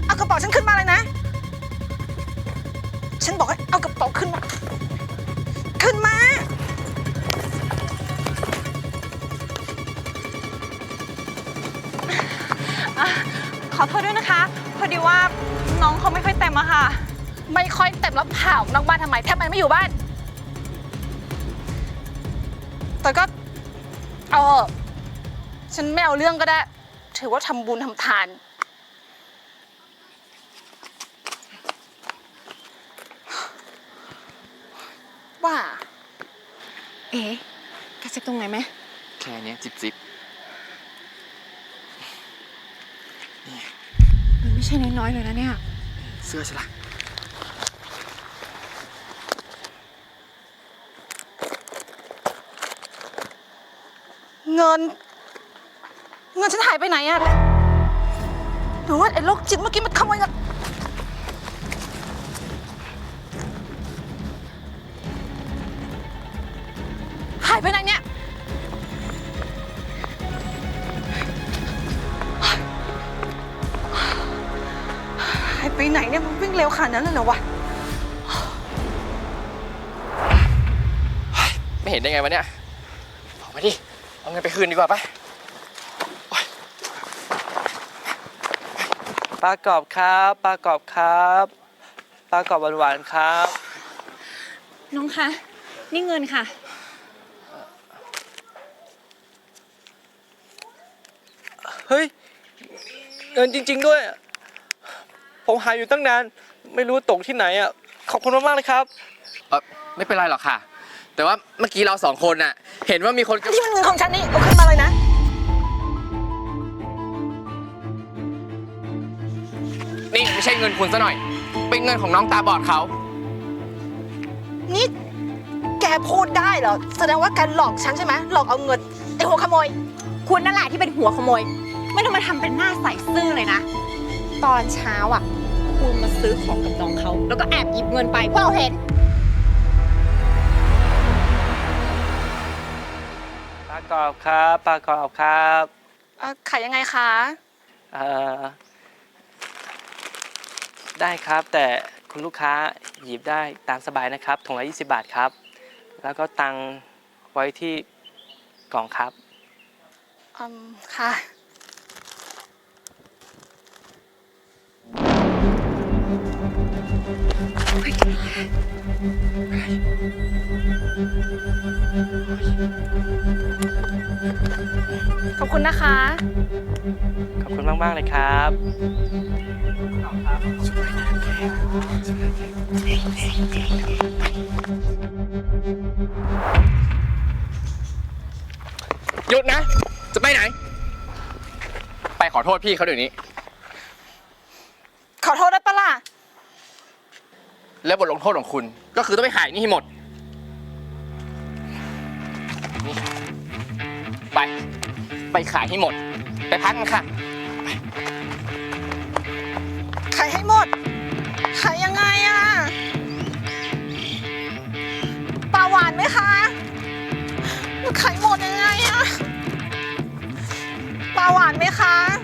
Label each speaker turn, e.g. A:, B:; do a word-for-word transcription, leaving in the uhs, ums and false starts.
A: เอากระเป๋าฉันขึ้นมาเลยนะฉันบอกให้เอากระเป๋าขึ้นมาขึ้นมา
B: ขอโทษด้วยนะคะพอดีว่าน้องเขาไม่ค่อยเต็มอะค่ะ
A: ไม่ค่อยเต็มแล้วผ่านอกบ้านทำไมแทบไม่อยู่บ้านแต่ก็เอาฉันไม่เอาเรื่องก็ได้ถือว่าทำบุญทำทานว่า
B: เอ๊ะกระซิบตรงไหนไหม
C: แค่นี้จิบจิบ
B: มันไม่ใช่น้อยๆเลยนะเนี่ย
C: เสื้อใช่ละ
A: เงินเงินฉันหายไปไหนอะหรือว่าไอ้โรคจิตเมื่อกี้มันขโมยเงินหายไปไหนเนี่ยหายไปไหนเนี่ยมันวิ่งเร็วขนาดนั้นเลยเหรอวะ
C: ไม่เห็นได้ไงวะเนี่ยออกมาดิเอาเงินไปคืนดีกว่าปะ
D: ปลากรอบครับปลากรอบครับปลากรอบหวานๆครับ
B: น้องคะนี่เงินค่ะ
D: เฮ้ยเงินจริงๆด้วยผมหาอยู่ตั้งนานไม่รู้ตกที่ไหนอ่ะขอบคุณมากๆเลยครับ
C: เออไม่เป็นไรหรอกค่ะแต่ว่าเมื่อกี้เราสองคนน่ะเห็นว่ามีคน
A: นี่มันเงินของฉันนี่เอาขึ้นมาเลยนะ
C: นี่ไม่ใช่เงินคุณซะหน่อยเป็นเงินของน้องตาบอดเขา
A: นี่แกพูดได้เหรอแสดงว่าแกหลอกฉันใช่ไหมหลอกเอาเงินไอ้หัวขโมย
B: คุณนั่นแหละที่เป็นหัวขโมยไม่ต้องมาทำเป็นหน้าใสซื่อเลยนะตอนเช้าอ่ะคุณมาซื้อของกับน้องเขาแล้วก็แอบหยิบเงินไปพวกเราเห็น
D: ปลากรอบครับปลากรอบครับ
A: ขายยังไงคะ
D: เอ่อได้ครับแต่คุณลูกค้าหยิบได้ตามสบายนะครับถุงละยี่สิบบาทครับแล้วก็ตังไว้ที่กล่องครับ
A: อืมค่ะขอบคุณนะคะ
D: ขอบคุณมากๆเลยครับ
C: หยุดนะจะไปไหนไปขอโทษพี่เขาเดี๋ยวนี้
A: ขอโทษได้ปะล่ะ
C: แล้วบทลงโทษของคุณก็คือต้องไปขายนี่ให้หมดนี่ไปไปขายให้หมดไปพักกันค่ะ
A: ขายให้หมดขายยังไงอะปลาหวานไหมคะขายหมดยังไงอะปลาหวานไหมคะ